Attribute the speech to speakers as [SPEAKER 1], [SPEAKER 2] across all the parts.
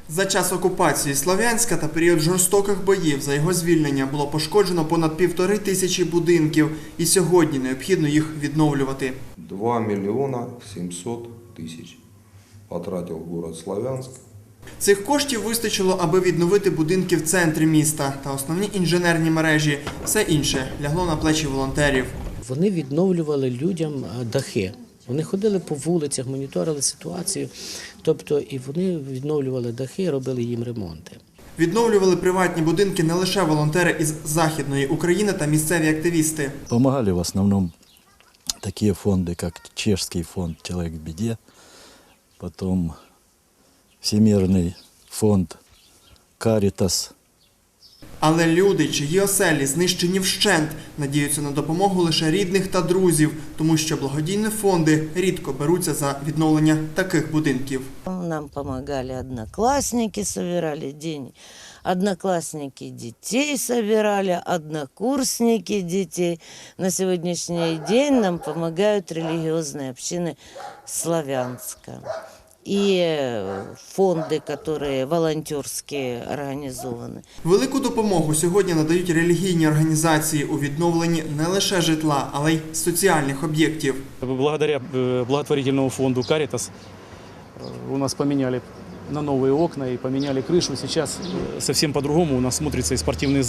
[SPEAKER 1] За час окупації Слов'янська та період жорстоких боїв за його звільнення було пошкоджено понад 1500 будинків, і сьогодні необхідно їх відновлювати.
[SPEAKER 2] 2 миллиона 700 тысяч потратил город Славянск.
[SPEAKER 1] Цих коштів вистачило, аби відновити будинки в центрі міста та основні інженерні мережі. Все інше лягло на плечі волонтерів.
[SPEAKER 3] Вони відновлювали людям дахи. Вони ходили по вулицях, моніторили ситуацію, тобто і вони відновлювали дахи, робили їм ремонти.
[SPEAKER 1] Відновлювали приватні будинки не лише волонтери із Західної України та місцеві активісти.
[SPEAKER 4] Помогали в основном такие фонды, как Чешский фонд «Человек в беде», потом Всемирный фонд «Каритас».
[SPEAKER 1] Але люди, чиї оселі знищені вщент, надіються на допомогу лише рідних та друзів, тому що благодійні фонди рідко беруться за відновлення таких будинків.
[SPEAKER 5] Нам помогали одноклассники, собирали деньги. Одноклассники детей собирали, однокурсники детей. На сегодняшний день нам помогают религиозные общины Славянска. И фонды, которые волонтерские организованы.
[SPEAKER 1] Велику допомогу сьогодні надають релігійні організації у відновленні не лише житла, але й соціальних об'єктів.
[SPEAKER 6] Благодаря благотворительному фонду «Каритас» у нас поменяли на новые окна и поменяли крышу. Сейчас совсем по-другому у нас смотрится и спортивный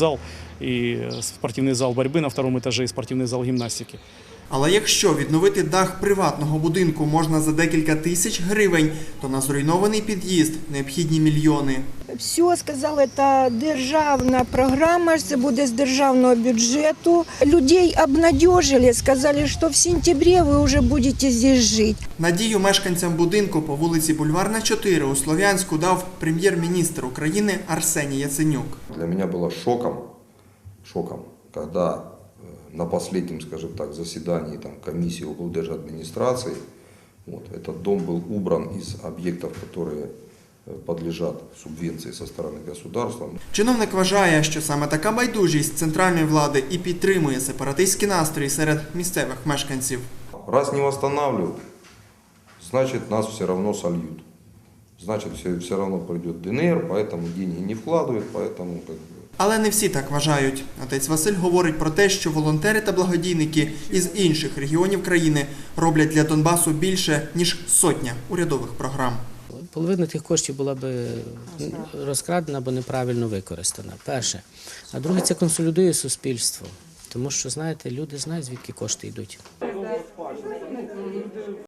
[SPEAKER 6] зал борьбы на втором этаже, и спортивный зал гимнастики.
[SPEAKER 1] Але якщо відновити дах приватного будинку можна за декілька тисяч гривень, то на зруйнований під'їзд необхідні мільйони.
[SPEAKER 7] Все, сказали, це державна програма, це буде з державного бюджету. Людей обнадежили, сказали, що в сентябрі ви вже будете тут жити.
[SPEAKER 1] Надію мешканцям будинку по вулиці Бульварна, 4 у Слов'янську дав прем'єр-міністр України Арсеній Яценюк.
[SPEAKER 2] Для меня было шоком, когда на последнем, скажем так, заседании комиссии облдержадминистрации этот дом был убран из объектов, которые подлежат субвенции со стороны государства.
[SPEAKER 1] Чиновник вважає, що саме така байдужість центральної влади і підтримує сепаратистські настрої серед місцевих мешканців.
[SPEAKER 2] Раз не восстанавливают, значит нас все равно сольют. Значит все равно придет ДНР, поэтому деньги не вкладывают, поэтому
[SPEAKER 1] Але не всі так вважають. Отець Василь говорить про те, що волонтери та благодійники із інших регіонів країни роблять для Донбасу більше, ніж сотня урядових програм.
[SPEAKER 3] Половина тих коштів була б розкрадена або неправильно використана, перше. А друге, це консолідує суспільство, тому що, знаєте, люди знають, звідки кошти йдуть.